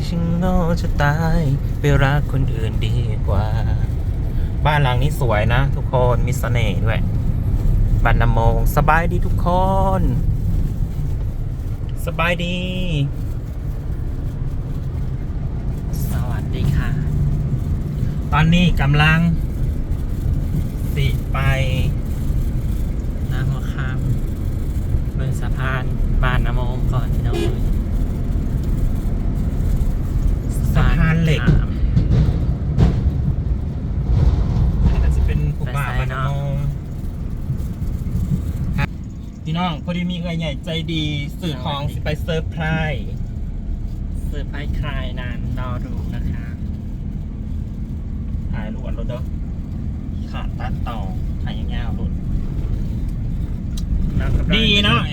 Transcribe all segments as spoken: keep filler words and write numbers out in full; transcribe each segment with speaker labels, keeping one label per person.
Speaker 1: ฉันโง่จะตายไปรักคนอื่นดีกว่าบ้านหลังนี้สวยนะทุกคนมีเสน่ห์ด้วยบ้านนำมงสบายดีทุกคนสบายดี
Speaker 2: สวัสดีค่ะ
Speaker 1: ตอนนี้กำลังสิไป
Speaker 2: น้ำหัวข้ามบนสะพานบ้านน้ำมงก่อนพี่น้อง
Speaker 1: สะพานเหล็กอันนี้ก็จะเป็นภูป่าบ้านนำมงพี่น้องพอดีมีเงินใหญ่ใจดีสื่อของสิไปเซอร์ไพรส์
Speaker 2: เซอร์ไพรส์ใครนานรอดูนะคะ
Speaker 1: ถ่ายรวดรถเด้อขาดตัดต่อถ่ายยาวๆรถดีเนาะ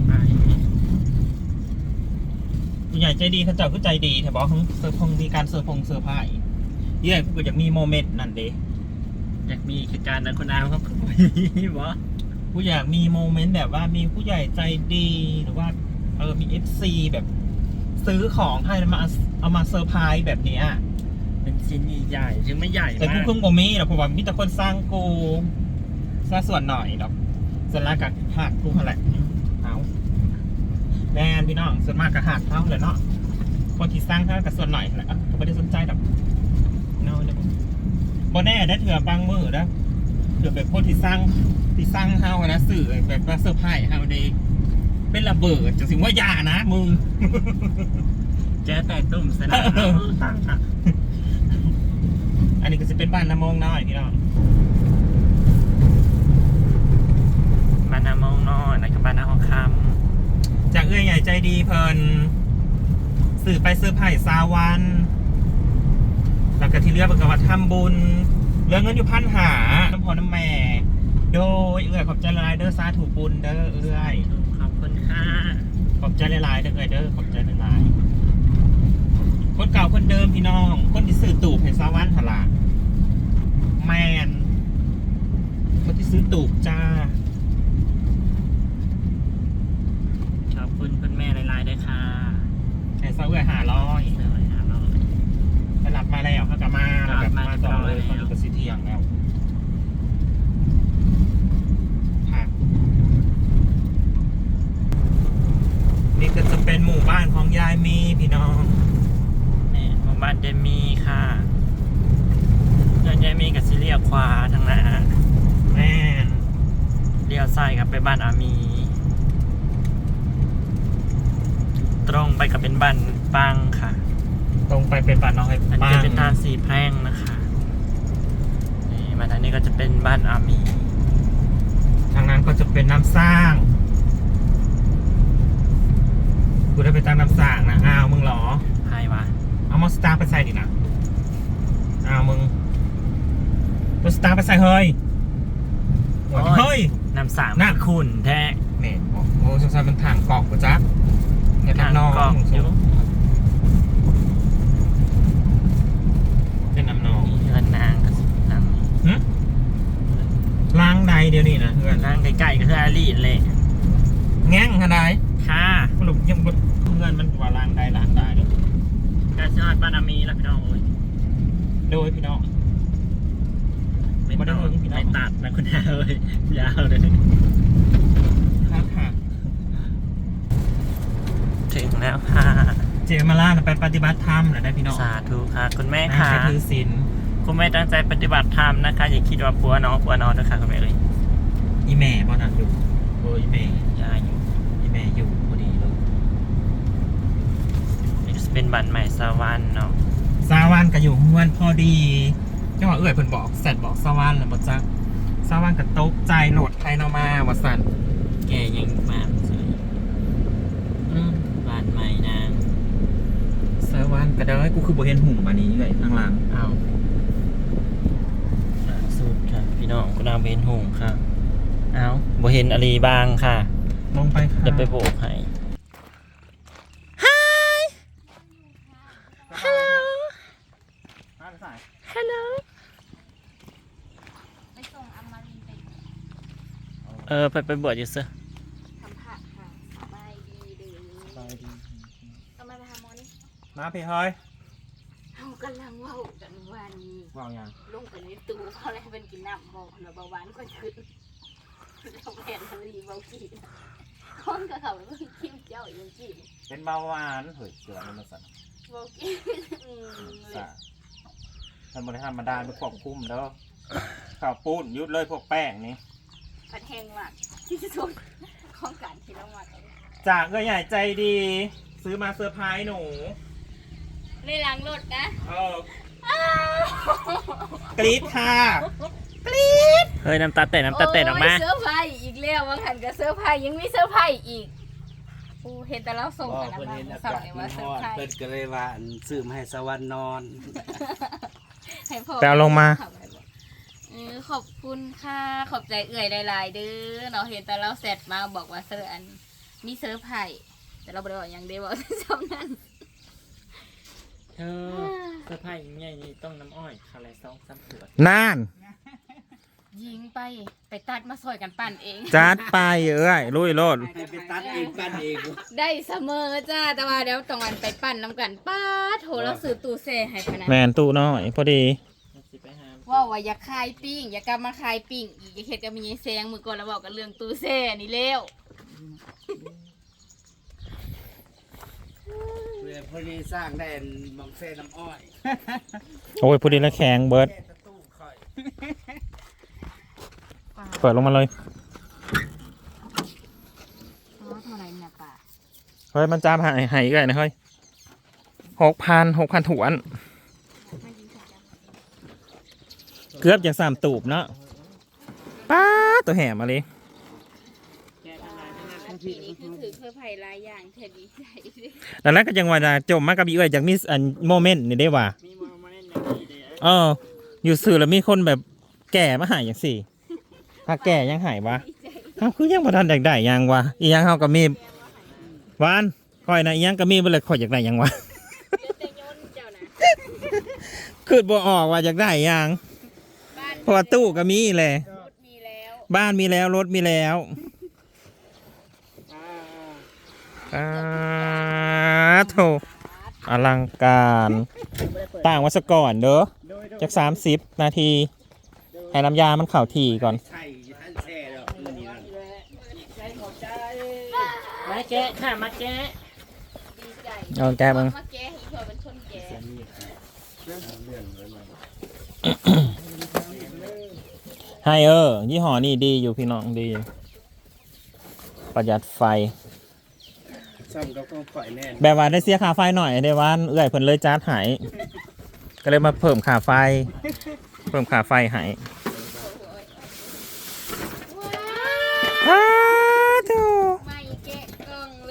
Speaker 1: ผู้ใหญ่ใจดีเขาเจ้าก็ใจดีแต่บอกเซอร์พงมีการเซอร์พงเซอร์ไพรส์เย่กูอยากมีโมเมนต์นั่นเด้
Speaker 2: อยากมีคือการนะคุณอาเขาคุยบอ
Speaker 1: กูอยากมีโมเมนต์แบบว่ามีผู้ใหญ่ใจดีหรือว่าเออมีเอฟซีแบบซื้อของให้แล้วมาเอามาเซอร์ไพรส์แบบเนี้ย
Speaker 2: เป็นชิ้นใหญ่ถึงไม่ใหญ่
Speaker 1: แต่กูเพิ่งบ่มีหรอกเพราะว่ามีแต่คนสร้างกูซะส่วนหน่อยดอกส่วนแรกกับหักกูเท่าไหร่เอาแม่พี่น้องส่วนมากกับหักเท่าเลยเนาะคนที่สร้างเท่ากับส่วนหน่อยแหละก็ไม่ได้สนใจดอกเนาะบ่แน่ได้เถื่อบางมือนะเถื่อแบบคนที่สร้างที่สร้างเฮานะสื่อแบบว่าเซอร์ไพรส์เฮาเดย์เป็นระเบิดจะถึงว่าอย่านะมึง
Speaker 2: เจอแต่ตุ่มสนาม
Speaker 1: อันนี้ก็จะเป็นบ้านน้ำมงน้อยพี่น้อง
Speaker 2: บ้านน้ำมงน้อยนะครับบ้านน้ำมงค
Speaker 1: ำจากเอื้อใหญ่ใจดีเพลินสื่อไปเซอร์ไพรส์ซาวันแล้วก็ที่เรือเป็นกวัดทำบุญเรื่องเงินอยู่พันหาน้ำพอน้ำแม่โดยเอื้อขอบใจละลายเด้อซาถูกบุญเด้อเอื้อย
Speaker 2: ขอบคุณค่ะ
Speaker 1: ขอบใจละลายเด้อเอื้อยเด้อขอบใจละลายคนเก่าคนเดิมพี่น้องคนที่ซื้อตูบเห็นซาวันหล่ะแมนคนที่ซื้อตูบจ้า
Speaker 2: ขอบคุณคุณแม่หลายๆด้วยค่ะ
Speaker 1: ไอ้ซาเอื้อยหาร้อยไปหลับมาแล้วเขากลับมาแบบมาต่อเลยตอนนี้ก็สิเที่ยงแล้วนี่ก็จะเป็นหมู่บ้านของยายมีพี่น้อง
Speaker 2: นี่หมู่บ้านยายมีค่ะยายมีกับซิเลียขวาทางหน้า
Speaker 1: แม่
Speaker 2: เลี้ยวซ้ายกับไปบ้านอามีตรงไปกับเป็นบ้านปังค่ะ
Speaker 1: ตรงไปเป็นบ้านน้องไอ้ปัง
Speaker 2: อันนี้เป็นทางสีแพร่งนะคะนี่มาทางนี้ก็จะเป็นบ้านอามี
Speaker 1: ทางนั้นก็จะเป็นน้ำสร้างกูได้ไปตามน้ำสร้างนะอ้าวมึงหรอ
Speaker 2: ใครวะ
Speaker 1: เอามอสตาร์ไปใส่ดินะอ้าวมึงมอสตาร์ไปใส่เฮ้ยเฮ้ย
Speaker 2: น้ำสางน่าขุ่นแท้
Speaker 1: เมนโอ้สงสัยมันทางเกาะกูจ๊ะเนี่ยทางนอง
Speaker 2: อยู่
Speaker 1: เป็นน้ำนอง
Speaker 2: เงินนางก็นั่ง
Speaker 1: ล้างใดเดี๋ยวนี้นะเพื่อน
Speaker 2: ล้างใกล้ๆก็คืออาลีเลย
Speaker 1: แง่งขนาดไหน
Speaker 2: ค่ะ
Speaker 1: สรุปยังเงินมันว่าล้างใดล้างได้เลย
Speaker 2: กระชากบ้านอามีแล้วพี่น้องโอ้ย
Speaker 1: โดยพี่น้อง
Speaker 2: ไม่ต้องไม่ตัดนะคุณอาเลยยาวเลย
Speaker 1: ครับค่ะ
Speaker 2: ถึงแล้วค่ะ
Speaker 1: เจมาล่าไปปฏิบัติธรรมเหรอได้พี่น้อง
Speaker 2: สาธุค่ะคุณแม่ค่ะ
Speaker 1: ถือศีล
Speaker 2: คุณแม่ตั้งใจปฏิบัติธรรมนะคะอย่าคิดว่าปัวน้องปัวน้องนะคะคุณแม่เลย
Speaker 1: อีแม่บ่นั่งอยู่โอ้อีแม่
Speaker 2: ยายอยู่
Speaker 1: อีแม่อยู่พอดีเลย
Speaker 2: นี่จะเป็นบันใหม่สวรรค์เนาะ
Speaker 1: สวรรค์ก็อยู่เฮือนพอดีจังหวะเอื้อยเพิ่นบอกแซดบอกสวรรค์แล้วบ่จักสวรรค์ก็ตกใจโหลดใครเนามาว่าซั่น
Speaker 2: แกยังมาสวยอืมบ้านใหม่นาง
Speaker 1: สวรรค์ก็เด้อกูคือบ่เห็นหุ่มอันนี้เลยข้างหลัง
Speaker 2: อ้าวสุดค่ะพี่น้องกูนางเห็นหุ่มค่ะอ้าวบ่เห็นอะไรบางค่ะ
Speaker 1: ลงไปค่ะ
Speaker 2: เดี๋ยวไปโบกให้ Hi Hello Hello ไปส่งอมรินทร์ไปเออไปไปบวชอยู่ซะ
Speaker 3: ทำผักค่ะสบายดีเด้อสบายดี
Speaker 1: มามาพี่เฮ้ย
Speaker 3: เขากำลังเว่ากันวันนี้
Speaker 1: ว่ายัง
Speaker 3: ลงไปในตู้เขาเลยเป็นกินน้ำบอกแล้วเบาหวานก็ขึ้นเราแผ่นทะเลเบาจีนคนกับเขาแล้วก็คิ้วเจ้าอย่างจีน
Speaker 1: เป็นเบาหวานเฮ้ยเสือมันมาสั่น
Speaker 3: เบาจีนอืมเลย
Speaker 1: สะท่านบริหารมาดานไปควบคุมแล้วข้าวปุ้นยุดเลยพวกแป้งนี่
Speaker 3: ผัดแห้งมากที่สุดของการที่เรามากัน
Speaker 1: จากเอื้อใหญ่ใจดี ซื้อมาเซอร์ไพรส์หนู
Speaker 3: ในล้างรถนะ
Speaker 1: เออกรี๊ดค่ะกรี๊ด
Speaker 2: เฮ้ยน้ำตาเตะน้ำตาเตะออกมา
Speaker 3: โยเสื้อร์ไผ่อีกแล้วว่าหันกับเสื้อร์ไผ่ยังมีเสื้อร์ไผ่อีกโอ้เห็นแต่เราส่ง
Speaker 4: ก็
Speaker 3: กันนะ
Speaker 4: เพิ่น
Speaker 3: มา
Speaker 4: เห็นอา
Speaker 3: สั่ง
Speaker 4: กาศ
Speaker 3: เลย
Speaker 4: มั
Speaker 3: ว่าน เสื้อ
Speaker 4: ร้อ
Speaker 3: ร์
Speaker 4: น
Speaker 3: ไผ่
Speaker 4: เพิ่นก็เลยว่าอันซื้อมาให้สวรรค์นอน
Speaker 3: ให้พ่อ
Speaker 1: แต่เอาลงมา
Speaker 3: เออขอบคุณค่ะขอบใจเอื่อยหลายๆเด้อเนาะเห็นแต่เราเสร็จมาบอกว่าเสื้ออันมีเสื้อร์ไผ่แต่เราบ่ได้บอกหยังได้บอกซ้ำนั้น
Speaker 2: เธอเสื้อผ้าอย่างใหญ่นี่ต้องน้ำอ้อยคาราซองซ้ำขวด
Speaker 1: น่าน
Speaker 3: ยิงไปไปตัดมาซอยกันปั่นเอง
Speaker 1: จัดไปเอ้ยลุยโลด
Speaker 4: ให้ไปตัดเองปั้นเอง
Speaker 3: ได้เสมอจ้าแต่ว่าเดี๋ยวตรงวันไปปั่นน้ำกันป้าดโถแล้วซื้อตู้เซ่ให้พะนะ
Speaker 1: แมนตู้น้อยพอดี
Speaker 2: สิไปหา
Speaker 3: ว่าว่าอยากขายปิ้งอยากกลับมาขายปิ้งอีกอยากเห็ดกับมีไอ้แซงมือก่อนแล้วบอกกันเรื่องตู้เซ่นี่เร็ว
Speaker 4: เพื่อพอดีสร้างได้บางเส้นน้ำอ้อย
Speaker 1: โอ้ยพอดีแล้วแข็งเบิร์ด
Speaker 4: แค่ตะตู้ค่อย
Speaker 1: เปิดลงมาเลย
Speaker 3: อ๋อเท่าไหรเนี่ยป่า
Speaker 1: เฮ้ยมันจามหายหายอีกไงนะเฮ้ยหกพันหกพันถวน
Speaker 3: ไม่ยิงสัญญาณ
Speaker 1: เกือบจะสามตูบเนาะป้าดตัวแหมมาเลย
Speaker 3: ปีนี้คือถือเครือไผ่หลายอย่างแค่ดีใจเลย
Speaker 1: แล้วนั้นก็ยังว่าจะจมมากกับอีเอ้ยจากมีอันโมเมนต์นี่ได้ว่า
Speaker 2: มีโมเมนต์อย่างนี้เดียว
Speaker 1: เอออยู่สื่อแล้วมีคนแบบแก่มาหายอย่างสี่ถ้าแก่ยังหายวะ
Speaker 3: ดีใจ
Speaker 1: เขาคือยังบ่ทันอยากได้หยังวะอีหยังเขาก็มีหวานข่อยนะอีหยังก็มีบ่เลยข่อยอยากได้หยังวะ
Speaker 3: เลือดเตยนเจ้านะ
Speaker 1: คือบ่ออกว่าอยากได้หยัง
Speaker 3: บ้าน
Speaker 1: เพราะว่าตู้ก็มีแหละ
Speaker 3: รถมีแล้ว
Speaker 1: บ้านมีแล้วรถมีแล้วอ่าโถอลังการต่างวัสก่อนเด้อจากสามสิบนาทีให้น้ำยามันเข่าทีก่อน
Speaker 4: ใช่ท่านแช่แล้วมื้อนี้นั่น
Speaker 2: มาแกะค่ะมาแกะ
Speaker 3: ดีใจ
Speaker 1: เอาแกมึง
Speaker 3: มาแก้ให้เพื่อเป็นคนแก่
Speaker 1: ให้เออยี่ห้อนี่ดีอยู่พี่น้องดีอยู่ประหยัดไฟ
Speaker 4: ซ่อมกับของข่อยแน่น
Speaker 1: แบบว่าได้เสียค่าไฟหน่อยได้ว่าเอื้อยเพิ่นเลยจ้าดใหายก็เลยมาเพิ่มค่าไฟ เพิ่มค่าไฟใหายอ้าวโธ่
Speaker 3: ไม่แกะกล่องเลย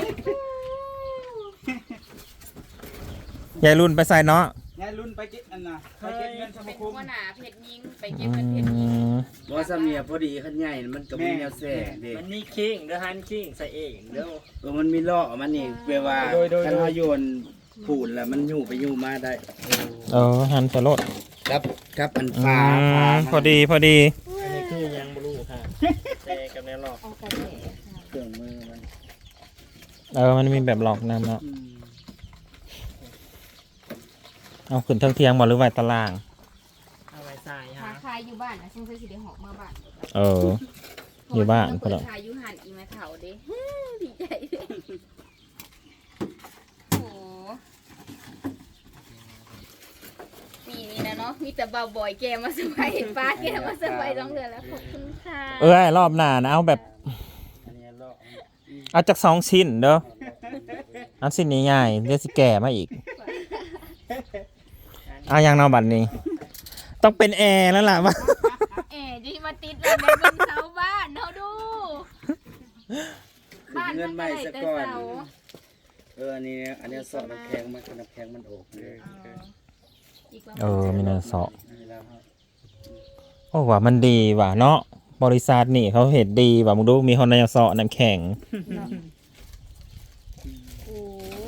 Speaker 1: ยายรุ่นไปใส่เนาะ
Speaker 4: ยายรุ่นไปเก็บอันน่ะไปเก็บเงินส
Speaker 3: เป็
Speaker 4: มาน คม
Speaker 3: หัวหน้าเพชรยิงไป
Speaker 1: อื
Speaker 3: เก็บเงินเพชรยิง
Speaker 1: ม
Speaker 4: บ่ซะเมียพอดีคันใหญ่มันก็มีแนวแซ่เด้
Speaker 2: มันนี่คิงเด้อฮันคิงใส่เองเด้อ
Speaker 4: เออมันมีล้อมันนี่แปลว่า
Speaker 2: โดยโดย
Speaker 4: คันเฮาโยนปูนแล้วมันอยู่ไปอยู่มาได้
Speaker 1: เออหันสลด
Speaker 4: ครับครับอัน
Speaker 1: อื
Speaker 4: ฟ้าม ฟ้ามัน
Speaker 1: พอดีพอดี
Speaker 2: อันนี้คือยังบลูค่ะเตะกับแนวหลอก
Speaker 3: เอากระแส
Speaker 4: เครื่องมือมัน
Speaker 1: เออมันมีแบบหลอกน้ำเนาะ
Speaker 4: อืม
Speaker 1: เอาขึ้นเทิงเทียงบ่หรือไว้ตาราง
Speaker 2: เอาไว้ใส่
Speaker 3: หา
Speaker 2: ฮะ
Speaker 3: คายอยู่บ้านนะซึ่งเคยสิได้หอกมาบ้าน
Speaker 1: เออ อยู่บ้าน
Speaker 3: เปิ
Speaker 1: พอ
Speaker 3: ด
Speaker 1: แล้ว
Speaker 3: คายอยู่หันอีแม่เฒ่าเด้ ดีใจเด้โอ้ปีนี้นะเนาะมีแต่เบาบ่อยแกมาสบายป้าแกมาสบายต้องเดือนแล้วขอบคุณค่ะ
Speaker 1: เอ้ยรอบหน้านะเอาแบบ
Speaker 4: อันนี้ล้อ
Speaker 1: เอาจากสองชิ้นเด้ออันชิ้นนี้ง่ายเดี๋ยวสิแก่มาอีกเอาอย่างเนอบัดนี้ ต้องเป็นแอร์แล้วล่ะว่า
Speaker 3: เอ๋จะมาติดเลยในบนเสาบ้านเนาะดู บ้าน
Speaker 4: เงิ
Speaker 3: มัน น
Speaker 4: ให
Speaker 3: ก็
Speaker 4: ม่
Speaker 3: ได้
Speaker 4: ซะ
Speaker 3: แต่
Speaker 4: ก่อน
Speaker 3: เสา
Speaker 4: เอออันนี้อันนี้สอดน้ำแข็งมันน้ำแข็งมันออกเลย
Speaker 3: อีกว่า
Speaker 1: เออมีเนินเสาะ
Speaker 4: นี่แล้วครับ
Speaker 1: โอ้ว่ามันดีว่ะเนาะบริษัทนี่เขาเห็นดีว่ะมึงดูมีคนในเสาะน้ำแข็ง
Speaker 3: โอ้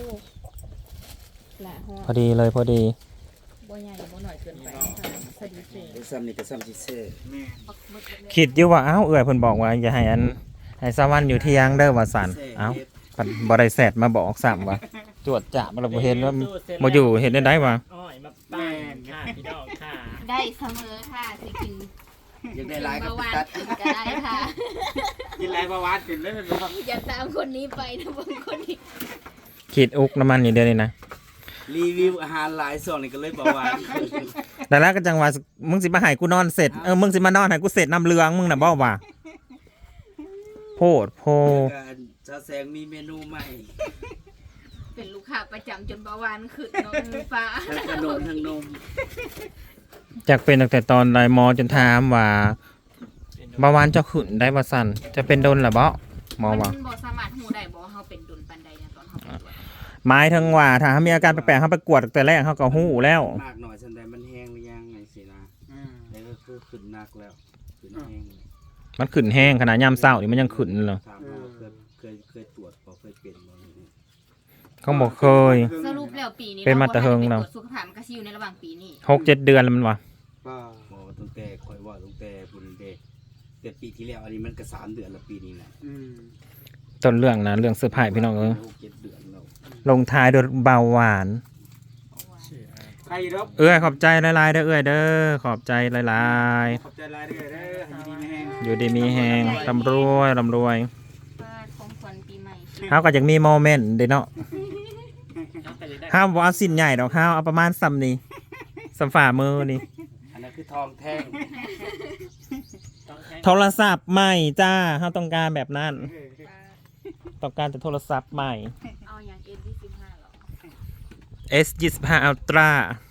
Speaker 3: ละฮอ
Speaker 1: พอดีเลยพอดี
Speaker 3: บ่ใหญ่บ่หน่อยเกินไปสวัสดีเจ
Speaker 4: เดี๋ยวซ้ำนี่ก็ซ้ำที่เซ่
Speaker 3: ปักหมึกเลย
Speaker 1: คิดอยู่ว่าเอ้าเอื่อยเพิ่นบอกว่าอย่าให้อันให้สวรรค์อยู่เที่ยงเด้อว่าสันเอ้าปัดบ่ได้แซดมาบอกซ้ำว่า
Speaker 3: เ
Speaker 1: จวดจ่าเราบ่เห็นว่าบ่อยู่เห็นได้ได้วะ
Speaker 2: อ้อยมาปั้นค่ะพี่น้องค่ะ
Speaker 3: ได้เสมอค่ะสิกิน
Speaker 4: อยากได้หลายก็
Speaker 3: เบาห
Speaker 4: ไป
Speaker 3: วาน
Speaker 4: ตัด
Speaker 3: กินก็ได้ค่ะ
Speaker 4: กินหลายประวัติขึ้นเลยแม่นบ่
Speaker 3: อย่าตามคนนี้ไปนะบางคนนี้
Speaker 1: ขีดอุกน้ำมันนี่เด้อนี่นะ
Speaker 4: รีวิวอาหารหลายส่วนนี่ก็เลยเบาหวานขึ้น
Speaker 1: แต่แล้วก็จังว่ามึงสิมาให้กูนอนเสร็จเออมึงสิมานอนให้กูเสร็จน้ำเลืองมึงน่ะบ่ว่าโพดโพ
Speaker 4: การชาแสงมีเมนูใหม่
Speaker 3: เป็นลูกค้าประจำจนเบาหวานขึ้นเนาะฟ้า
Speaker 4: ทั้งขนมทั้งนม
Speaker 1: จากเป็นตั้งแต่ตอนไลน์มอจนถามว่าเบาหวานเจะขึ้นได้ว่าสั่นจะเป็นโดนหรือบ่หมอว่า
Speaker 3: มันบ่สามารถฮู้ได้บ่ว่าเฮาเป็นดุลปานใดนะตอนเฮาไปตรวจ
Speaker 1: หมายถึงว่าถ้ามีอาการแปลกๆเขาไปกวดตั้งแต่แรกเขาก็ฮู้แล้ว
Speaker 4: มากหน่อยสันใดมันแห้งหรือยังไงสินะแล้วก็คือขึ้นหนักแล้วขึ้นแห้งเลย
Speaker 1: มันขึ้นแห้งขนาดยามเช้านี่มันยังขึ้นเลย
Speaker 4: ถามว่าเคยเคยเคยตรวจบ่เคยเป็นบ่นี่
Speaker 1: เขาบอกเคย
Speaker 3: สรุปแล้วปีนี้
Speaker 1: เป็นมาแต่เฮิง
Speaker 3: แล้
Speaker 1: แล้ว ว
Speaker 3: ตรวจสุขภาพมันก็สิอยู่ในระหว่างปีนี้
Speaker 1: หกเจ็ดเดือนแล้วมันวะ
Speaker 4: บ่บ่ตั้งแต่คอยว่าตั้งแต่พุ่นเด้แต่ปีที่แล้วอันนี้มันก็สามเดือนแล้วปีนี้น่ะ
Speaker 1: ต้นเรื่องนะเรื่องเสื้อผ้าพี่น้องเออ
Speaker 4: หกเจ็ดเดือนแล้ว
Speaker 1: ลงท้ายด้วยเบาหวาน
Speaker 4: ใครรับ
Speaker 1: เอ้ยขอบใจหลายๆเด้อเอ้ยเด้อขอบใจหลาย
Speaker 4: ขอบใจหลายเด้อเด้อให้ดีมีแห้ง
Speaker 1: ๆอยู่ดีมีแหงร่ำรวยร่ำรวย
Speaker 3: ฟาดของขวัญปีใหม่
Speaker 1: เขาก็อยากมีโมเมนต์เด้เนาะ
Speaker 2: น้องไปเลยได้
Speaker 1: ห้ามว่าเอาสิ้นใหญ่ดอกห้าวเอาประมาณซ้ำนี้ซ้ำฝ่ามือนี่
Speaker 4: อันนั้นคือทองแท่ง
Speaker 2: ต้องแข่ง
Speaker 1: โทรศัพท์ใหม่จ้าเขาต้องการแบบนั้น ต้องการแต่โทรศัพท์ใหม่
Speaker 3: เอาอย่าง เอ็น ยี่สิบห้าหรอ
Speaker 1: เอส ยี่สิบห้า Ultra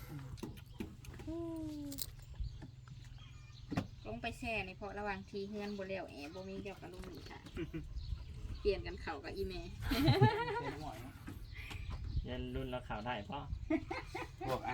Speaker 3: ลงไปแช่ในเพราะระหว่างทีเฮือนบ่แล้วแอบ่มีเดียวกับลุงนี่ค่ะ เปลี่ยนกันเข้ากับอีเม
Speaker 2: ยันรุ่นแล้วข่าวได้ป่ะ